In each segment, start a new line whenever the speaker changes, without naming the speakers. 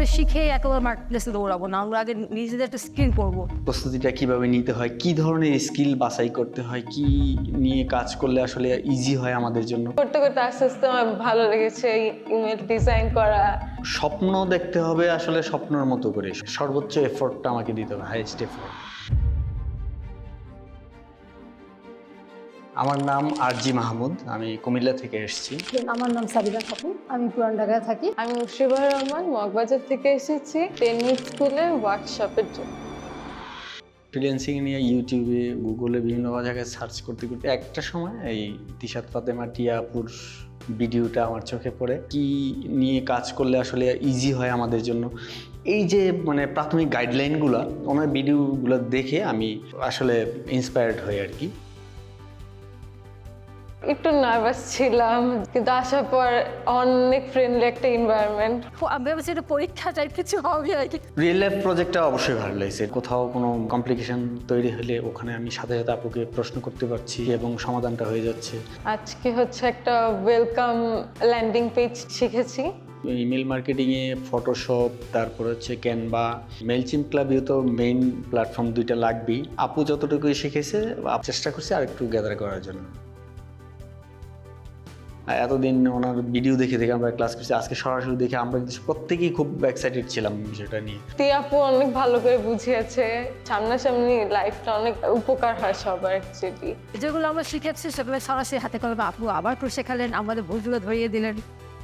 করে শিখে একেবারে মার্কেটপ্লেসে দৌড়াবো না, আমরা আগে নিজেদের একটা স্কিল করবো।
প্রস্তুতিটা কিভাবে নিতে হয়, কি ধরনের স্কিল বাছাই করতে হয়, কি নিয়ে কাজ করলে আসলে ইজি হয় আমাদের জন্য।
করতে করতে আস্তে আস্তে আমার ভালো লেগেছে ইমেল ডিজাইন করা।
স্বপ্ন দেখতে হবে আসলে স্বপ্নের মতো করে, সর্বোচ্চ এফোর্টটা আমাকে দিতে হবে, হাইয়েস্ট এফোর্ট। আমার নাম আরজি মাহমুদ, আমি কুমিল্লা থেকে এসেছি।
আমার নাম সাবিনা খাতুন, আমি পুরান ঢাকায় থাকি।
আমি মুশরিফা রহমান, মগবাজার থেকে এসেছি টেনিস স্কুলে ওয়ার্কশপের জন্য।
ফ্রিল্যান্সিং নিয়ে ইউটিউবে, গুগলে বিভিন্ন জায়গায় সার্চ করতে করতে একটা সময় এই তিশাত ফাতেমা টিয়া আপুর ভিডিওটা আমার চোখে পড়ে। কি নিয়ে কাজ করলে আসলে ইজি হয় আমাদের জন্য, এই যে মানে প্রাথমিক গাইডলাইনগুলো, ওনার ভিডিওগুলো দেখে আমি আসলে ইন্সপায়ার্ড হই আর কি।
একটু নার্ভাস ছিলাম, কিন্তু আসার পর অনেক ফ্রেন্ডলি একটা এনভায়রনমেন্ট।
আমি ভাবছি এটা পরীক্ষা টাইপ কিছু হবে আর কি।
রিয়েল লাইফ প্রজেক্টটা অবশ্যই ভালো লাগছে। কোথাও কোনো কমপ্লিকেশন তৈরি হলে ওখানে আমি সাথে সাথে আপুকে প্রশ্ন করতে পারছি এবং সমাধানটা হয়ে যাচ্ছে।
আজকে হচ্ছে একটা ওয়েলকাম ল্যান্ডিং পেজ শিখেছি।
ইমেল মার্কেটিংয়ে ফটোশপ, তারপর হচ্ছে ক্যানভা, মেলচিম ক্লাবেও তো মেইন প্ল্যাটফর্ম দুইটা লাগবেই। আপু যতটুকু শিখেছে চেষ্টা করছে আর একটু গ্যাদার করার জন্য। এতদিন ওনার ভিডিও দেখে দেখে আমরা ক্লাস করছি, আজকে সরাসরি দেখে আমরা কিন্তু প্রত্যেকেই খুব এক্সাইটেড ছিলাম বিষয়টা নিয়ে।
টিয়া আপু অনেক ভালো করে বুঝিয়েছে, সামনাসামনি লাইফটা অনেক উপকার হয় সবার অ্যাকচুয়ালি।
যেগুলো আমরা শিখেছি সেগুলো সরাসরি হাতে কলমে আপু আবার করে শেখালেন, আমাদের ভুলগুলো ধরিয়ে দিলেন।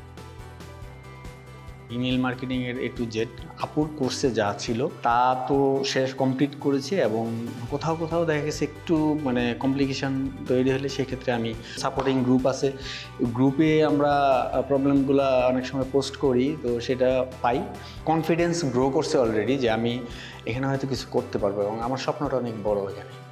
ইমেল মার্কেটিংয়ের A to Z আপুর কোর্সে যা ছিল তা তো শেষ কমপ্লিট করেছি, এবং কোথাও কোথাও দেখা গেছে একটু মানে কমপ্লিকেশান তৈরি হলে সেক্ষেত্রে আমি সাপোর্টিং গ্রুপ আছে, গ্রুপে আমরা প্রবলেমগুলো অনেক সময় পোস্ট করি, তো সেটা পাই। কনফিডেন্স গ্রো করছে অলরেডি যে আমি এখানে হয়তো কিছু করতে পারবো, এবং আমার স্বপ্নটা অনেক বড় এখানে।